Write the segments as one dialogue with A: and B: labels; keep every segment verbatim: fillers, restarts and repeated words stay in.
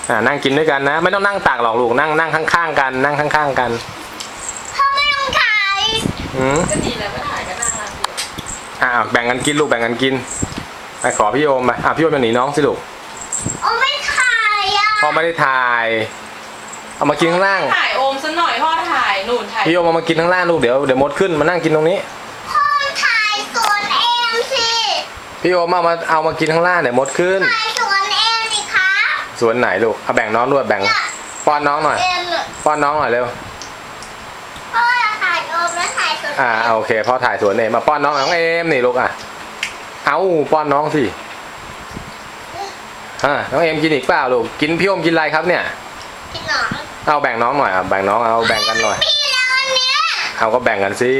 A: อ่านั่งกินด้วยกันนะไม่ต้องนั่งตักหรอกลูกนั่งนั่งข้างๆกันนั่งข้างๆกัน
B: พ่อไม่ต้องถ่าย
A: อืม
C: ก็ดีแล้วก็ถ่ายก็น่ารักดี
A: อ่าแบ่งกันกินลูกแบ่งกันกินไปขอพี่โอมไปอ่ะพี่โอมจะหนีน้องสิลูก
B: โอ้ไม่ถ่ายอ่ะ
A: พ่อไม่ได้ถ่ายเอามากินข้างล่าง
C: ถ่ายโอมซะหน่อยพ่อถ่ายหนูถ่าย
A: พี่โอมเอามากินข้างล่างลูกเดี๋ยวเดี๋ยวมดขึ้นมานั่งกินตรงนี้
B: พ่อถ่ายสวนเองสิ
A: พี่โอมเอามาเอามากินข้างล่างเดี๋ยวมดขึ้น
B: ถ่ายสวนเองสิคะ
A: สวนไหนลูกเอาแบ่งน้องด้วยแบ่งป้อนน้องหน่อยป้อนน้องหน่อยเร็ว
B: พ่อถ่ายโอมแล้วถ่ายสวน
A: อ่าโอเคพ่อถ่ายสวนเองมาป้อนน้องน้องเอมนี่ลูกอ่ะเอาป้อนน้องสิอ่าน้องเอมกินอีกเปล่าลูกกินพี่โอมกินอะไรครับเนี่ย
B: กินหนอน
A: เอาแบ่งน้องหน่อยอ่ะแบ่งน้องเอาแบ่งกันหน่อยเอาก็แบ่งกันสิ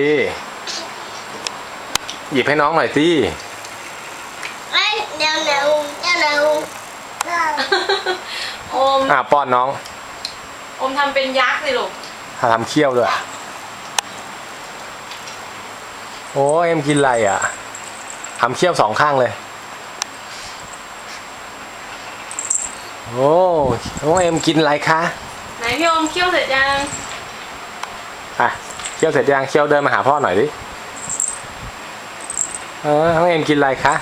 A: หยิบให้น้องหน่อยสิ
B: เดี๋ยวเดี๋ยวเดี๋ยวเดี๋ยว
C: โอม
A: อ่าป้อนน้อง
C: โอมทำเป็นยักษ์สิลูก
A: ทำเคี้ยวด้วยโอ้เอ็มกินอะไรอ่ะทำเคี้ยวสองข้างเลยโอ้น้องเอ็มกินอะไรคะ
C: ไหนพี่โอมเคี่ยวเสร็จยัง
A: อ่ะเคี้ยวเสร็จยังเคี้ยวเดินมาหาพ่อหน่อยดิเออน้องเอ็มกินอะไรคะ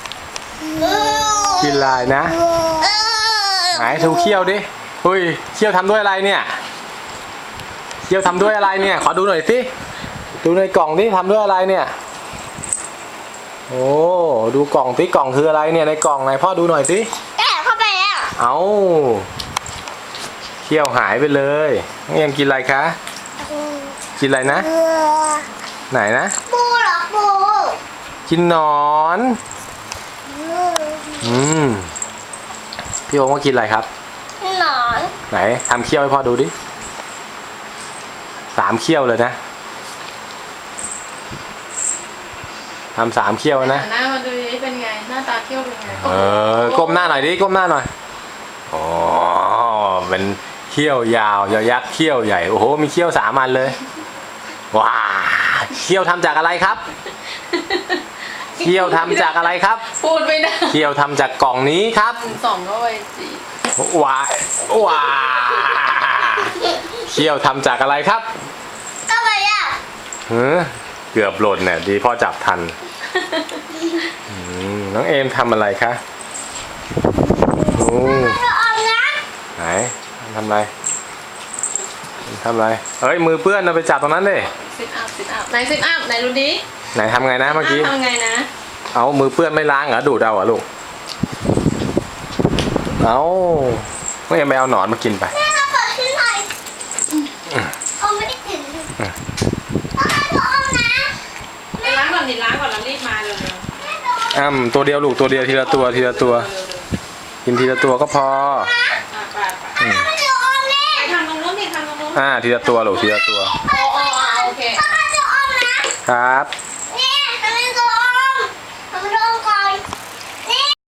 A: กินอะไรนะไหนดูเคี้ยวดิเฮ้ยเคี้ยวทำด้วยอะไรเนี่ยเคี้ยวทำด้วยอะไรเนี่ยขอดูหน่อยสิดูในกล่องดิทำด้วยอะไรเนี่ยโอ้ดูกล่องสิกล่องคืออะไรเนี่ยในกล่องไหนพ่อดูหน่อยสิ
B: แกะเข้าไปแล้ว
A: เอาเคี้ยวหายไปเลยน้องเอ็มกินอะไรคะกินอะไรนะไหนนะ
B: ปูเหรอปู
A: กินหนอนอืมพี่โอมว่ากินอะไรครับ
B: หนอน
A: ไหนทำเคี้ยวให้พ่อดูดิสามเคี้ยวเลยนะทำสามเคี้ยวนะ
C: หน้ามาดูดิเป็นไงหน้าตาเคี้ยวเป็นไง
A: เออก้มหน้าหน่อยดิก้มหน้าหน่อยอ๋อเป็นเคี้ยวยาวยาวยักษ์เคี้ยวใหญ่โอ้โหมีเคี้ยวสามอันเลยว้าเคี้ยวทำจากอะไรครับเคี้ยวทำจากอะไรครับ
C: พูดไม่ได้
A: เคี้ยวทำจากกล่องนี้ครับ
C: สองก็ไปจี
A: ว้าว้าเคี้ยวทำจากอะไรครับ
B: ก็ไปอ่ะ
A: เฮ้อเกือบหล่นเนี่ยดีพ่อจับทันน้องเอมทำอะไรคะโอ้ไหนทำอะไรทำอะไรเฮ้ยมือเปื้อนเราไปจับตรงนั้นเลย
C: ซิทอัพซิทอัพไหนซิทอัพไหนดูดิ
A: ไหนทำไงนะเมื่อกี้
C: ทำไงนะ
A: เอามือเปื้อนไม่ล้างเหรอดูดเอาเหรอลูกเอาไม่ยังไปเอาหนอนมากินไป
B: แม่เราเปิดขึ้นหน่อยเอาไม่ได้กินเอาให้พ่อเอานะ
C: ล้างก่อนดิล้างก่อนแล้วรีบมาเลย
A: อ้ำตัวเดียวลูกตัวเดียวทีละตัวทีละตัวกินทีละตัวก็พอ
C: ทำตรงนู้นดิทำตรงนู้น
A: อ่าทีละตัวลูกทีละตัว
C: โอเค
A: ครับ